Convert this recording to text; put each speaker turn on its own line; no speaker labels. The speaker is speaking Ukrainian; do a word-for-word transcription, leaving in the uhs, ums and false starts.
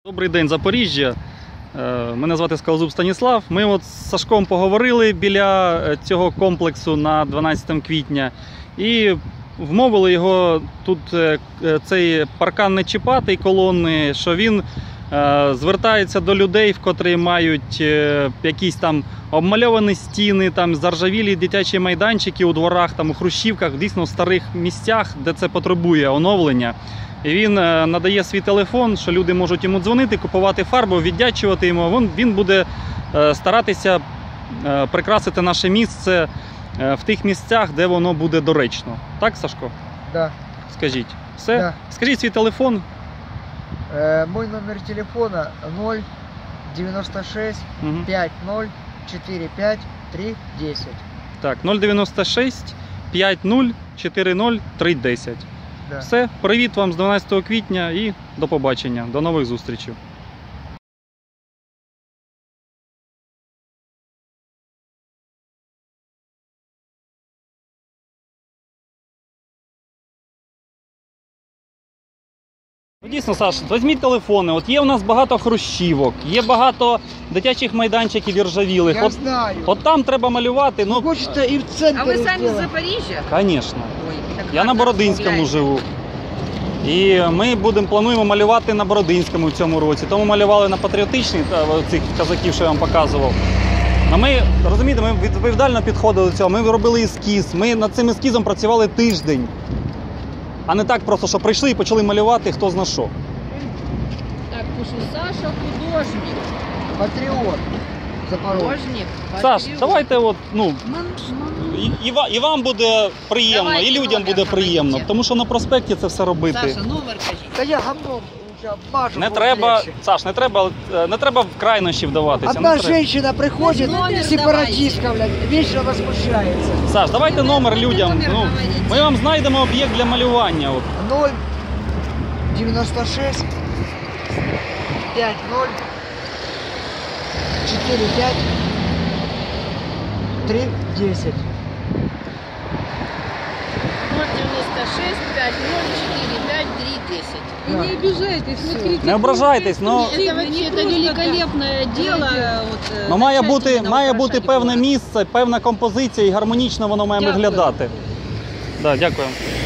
Добрий день, Запоріжжя. Мене звати Скалозуб Станіслав. Ми от з Сашком поговорили біля цього комплексу на дванадцяте квітня і вмовили його тут цей паркан не чіпати, колони, що він звертається до людей, в котрі мають якісь там обмальовані стіни, там заржавілі дитячі майданчики у дворах, там у хрущівках, дійсно в старих місцях, де це потребує оновлення. І він надає свій телефон, що люди можуть йому дзвонити, купувати фарбу, віддячувати йому. Він, він буде старатися прикрасити наше місце в тих місцях, де воно буде доречно. Так, Сашко?
Да.
Скажіть. Все?
Да.
Скажіть свій телефон.
Э, мой номер телефона ноль девяносто шесть пять ноль четыре пять три десять.
Так, нуль дев'яносто шість п'ять нуль чотири нуль три десять.
Да.
Все, привіт вам з дванадцятого квітня і до побачення, до нових зустрічей. Дійсно, Саш, візьміть телефони, от є у нас багато хрущівок, є багато дитячих майданчиків іржавілих.
Я
от,
знаю.
От там треба малювати, ну...
Хочете і в центрі.
А ви самі
сделать.
з Запоріжжя?
Звісно.
Ой, так
Я на
гарно
Бородинському
розмовляєте.
живу. І ми будемо, плануємо малювати на Бородинському в цьому році. Тому малювали на Патріотичній, цих казаків, що я вам показував. А ми, розумієте, ми відповідально підходили до цього, ми робили ескіз, ми над цим ескізом працювали тиждень. А не так просто, що прийшли і почали малювати хто зна що.
Так, пишу, Саша художник.
Патріот. Запорожець.
Художник.
Саш,
патріот.
давайте от, ну,
Мам, мам.
і, і, ва- і вам буде приємно,
Давайте
і людям
номер
буде приємно,
говорите.
тому що на проспекті це все робити.
Саша, номер кажіть.
Та я гамном уже обмажу.
Не
буде
треба,
легше.
Саш, не треба, не треба в крайнощі вдаватися.
Одна
не треба.
женщина приходит,
Номер
сепаратистка, блядь, вечно возмущается.
Саш, давайте номер людям.
Номер
Ну,
говорите.
ми вам знайдемо об'єкт для малювання. От.
ноль девяносто шесть пять ноль четыре пять три десять.
ноль девяносто шесть пять ноль четыре пять три десять.
Да.
Не обижайтесь, смотрите.
Не ображайтесь, но,
Это вообще это великолепное дело. Вот,
но має бути,
замечательно
має бути
украшать
певне
город.
місце, певна композиція і гармонічно воно має
Дякую.
виглядати. Да, дякую.